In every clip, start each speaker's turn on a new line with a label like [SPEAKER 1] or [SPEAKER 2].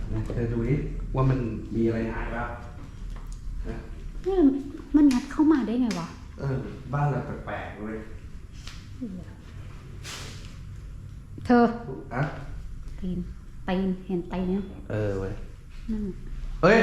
[SPEAKER 1] เธอดูดิว่ามันมีอะไรหายบ้างนะ
[SPEAKER 2] เนี่ยมันงัดเข้ามาได้ไงวะ
[SPEAKER 1] บ้านเราแปลกๆเลย
[SPEAKER 2] เธอ
[SPEAKER 1] อะ
[SPEAKER 2] ตีนเห็นตีนเนี่ย
[SPEAKER 1] เว้ย
[SPEAKER 2] นั่น
[SPEAKER 1] เฮ้ย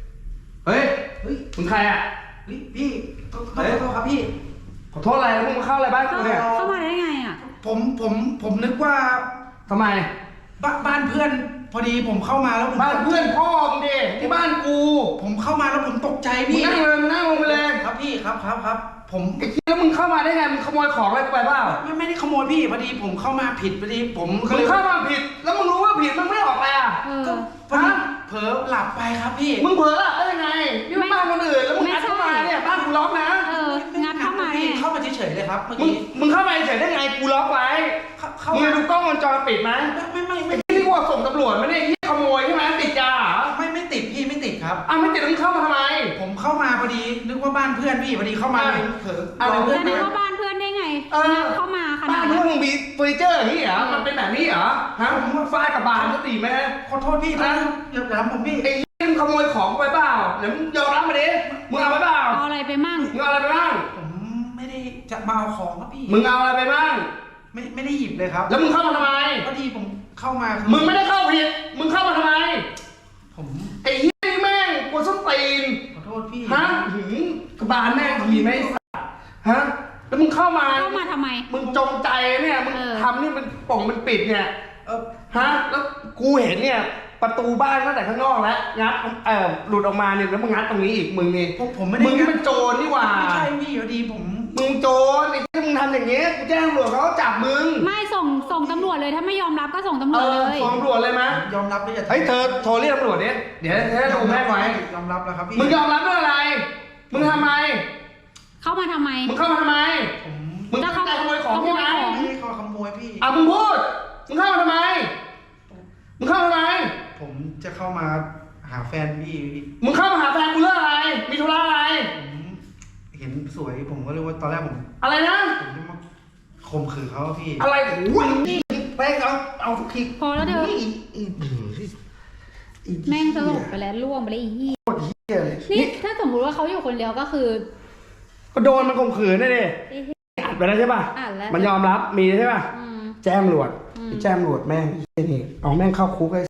[SPEAKER 1] มึงใครอ่ะ
[SPEAKER 3] พี่ขอโทษครับพี่
[SPEAKER 1] ขอโทษอะไรแล้วมึงมาเข้าอะไรบ้านกูเนี่ย
[SPEAKER 2] เข้ามาได้ไงอ่ะ
[SPEAKER 3] ผมนึกว่า
[SPEAKER 1] ทำไม
[SPEAKER 3] บ้านเพื่อนพอดีผมเข้ามาแล้วผม
[SPEAKER 1] บ้านเพื่อนพ่อมึงดิที่บ้านกู
[SPEAKER 3] ผมเข้ามาแล้วผมตกใจ
[SPEAKER 1] มึง
[SPEAKER 3] พี่
[SPEAKER 1] นั่งลงไปเลย
[SPEAKER 3] ครับพี่ครับผม
[SPEAKER 1] ไอ้ที่แล้วมึงเข้ามาได้ไงมึงขโมยของอะไรกูไปเปล่า
[SPEAKER 3] ไม่ได้ขโมยพี่พอดีผมเข้ามาผิดพอดีผมก็
[SPEAKER 1] มึ
[SPEAKER 3] เล
[SPEAKER 1] ง
[SPEAKER 3] ย
[SPEAKER 1] เข้ามาผิดแล้วมึงรู้ว่าผิดมึงไม่ออกไปอ่ะ
[SPEAKER 3] ก็พอดีเผลอหลับไปครับพี่
[SPEAKER 1] มึงเผลอหลับได้ยังไงนี่มันบ้านคนอื่นแล้วมึงงัดเข้ามาเนี่ยบ้านกูล็อกนะ
[SPEAKER 2] งัดเข้ามา
[SPEAKER 3] พี่
[SPEAKER 2] เนี่ย
[SPEAKER 3] เข้ามาเฉยๆเลยครับเมื่อ
[SPEAKER 1] มึง
[SPEAKER 3] กี้
[SPEAKER 1] มึงเข้ามาเฉยได้ไงกูล็อกไว้
[SPEAKER 3] เข้า
[SPEAKER 1] มึง
[SPEAKER 3] มา
[SPEAKER 1] ดูกล้องวงจรปิดไหม
[SPEAKER 3] ไม่
[SPEAKER 1] ที่กูส่งตำรวจไม่ได้ที่ขโมยใช่ไหมติดยาเหรอ
[SPEAKER 3] ไม่ติดพี่ไม่ติดครับ
[SPEAKER 1] อ้าวไม่ติดแล้วมึงเข้ามาทำไม
[SPEAKER 3] ผมเข้ามาพอดีนึกว่าบ้านเพื่อนพี่พอดีเข้ามาเลยเผลอ
[SPEAKER 1] อะไรเพื่
[SPEAKER 2] จะนึกว่าบ้านเพื่อนได้ไงงัดเข้ามาข
[SPEAKER 1] บ้า
[SPEAKER 2] นาด
[SPEAKER 1] น
[SPEAKER 2] นั้
[SPEAKER 1] เพื่อน
[SPEAKER 2] น
[SPEAKER 1] มึงมีเฟอร์นิเจอร์อย่างนี้เหรอมันเป็นแบบนี้เหรอฮะมึงฟาดกับบานก็ตีไหม
[SPEAKER 3] ขอโทษพี่นะอย่าทำผมพี่
[SPEAKER 1] ไอ้เรื่องขโมยของไปเปล่าเดี๋ยวมึงยอมรับมาดิมึงเอาไปเปล่า
[SPEAKER 2] เอาอะไรไปมั่ง
[SPEAKER 1] มึงเอาอะไรไปบ้าง
[SPEAKER 3] ผมไม่ได้จะมาเอาของครับพี่
[SPEAKER 1] มึงเอาอะไรไปบ้าง
[SPEAKER 3] ไม่ได้หยิบเลยครับ
[SPEAKER 1] แล้วมึงเข้ามาทำไม
[SPEAKER 3] พอดีผมเข้ามา
[SPEAKER 1] มึงไม่ได้เข้าผิดมึงเข้ามาทำไม
[SPEAKER 3] ผม
[SPEAKER 1] ไอ้เหี้ยนี่แม่งกวนส้นตีน
[SPEAKER 3] ขอโทษพี่
[SPEAKER 1] ฮะหืมกระบาลแม่งทีไหมไอ้สัสฮะแล้วมึงเข้ามา
[SPEAKER 2] เข้ามาทำไม
[SPEAKER 1] มึงจงใจเนี่ยมึง
[SPEAKER 2] เออ
[SPEAKER 1] ทำนี่มันป่องมันปิดเนี่ย
[SPEAKER 3] เออ
[SPEAKER 1] ฮะแล้วกูเห็นเนี่ยประตูบ้านตั้งแต่ข้างนอกแล้วงัดหลุดออกมาเนี่ยแล้วมึงงัดตรงนี้อีกมึงนี่
[SPEAKER 3] ผมไม่ได้
[SPEAKER 1] มึงนี่เป็นโจรนี่หว่า
[SPEAKER 3] ไม่ใช่พี่พอดีผม
[SPEAKER 1] มึงโจรไอ้ที่มึงทำอย่างเงี้ยกูแจ้งตำรวจเขาก็จับมึง
[SPEAKER 2] ไม่ส่งตำรวจเลยถ้าไม่ยอมรับก็ส่งตำรวจเลย
[SPEAKER 1] ฟ้องตำรวจเลยไหม
[SPEAKER 3] ยอมรับเลยอย่า
[SPEAKER 1] เฮ้ยเธอโทรเรียกตำรวจดิเดี๋ยวจะดูแม่งไว้
[SPEAKER 3] ยอมรับแล้วครับพี่
[SPEAKER 1] มึงยอมรับเรื่องอะไร มึงทำไม
[SPEAKER 2] เข้ามาทำไม
[SPEAKER 1] มึงเข้ามาทำไม
[SPEAKER 3] ผม
[SPEAKER 1] มึงตั้งใจขโมยของใช่ไหม
[SPEAKER 3] ไม่ได้ขโมยพี่
[SPEAKER 1] อ่ะมึงพูด มึงเข้ามาทำไม มึงเข้ามาทำไม
[SPEAKER 3] ผมจะเข้ามาหาแฟนพี่
[SPEAKER 1] มึงเข้ามาหาแฟนกูเรื่องอะไร มีธุระอะไร
[SPEAKER 3] ผมเห็นสวยผมก็เลยว่าตอนแรกผม
[SPEAKER 1] อะไรนะ
[SPEAKER 3] จะมาข่มขืนเขาพี่
[SPEAKER 1] อะไรโอ้ยนี่แม่งเอาทุกที
[SPEAKER 2] พอแล้วเธอ
[SPEAKER 1] อี
[SPEAKER 2] แม่งสลบไปแล้วล่วงไปแล้วอีเหี้ย
[SPEAKER 1] โคตรเหี้ยเลย
[SPEAKER 2] นี่ถ้าสมมติว่าเขาอยู่คนเดียวก็คือ
[SPEAKER 1] ก็โดนมันข่มขืนนี่ดิอัดไปแล้วใช่ป่ะ
[SPEAKER 2] อ่านแล้ว
[SPEAKER 1] มันยอมรับมีใช่ป่ะ
[SPEAKER 2] อืม
[SPEAKER 1] แจ้งตำรวจ
[SPEAKER 2] อืม
[SPEAKER 1] แจ้งตำรวจแม่งไอ้เหี้ยนี่เอาแม่งเข้าคุกไอ้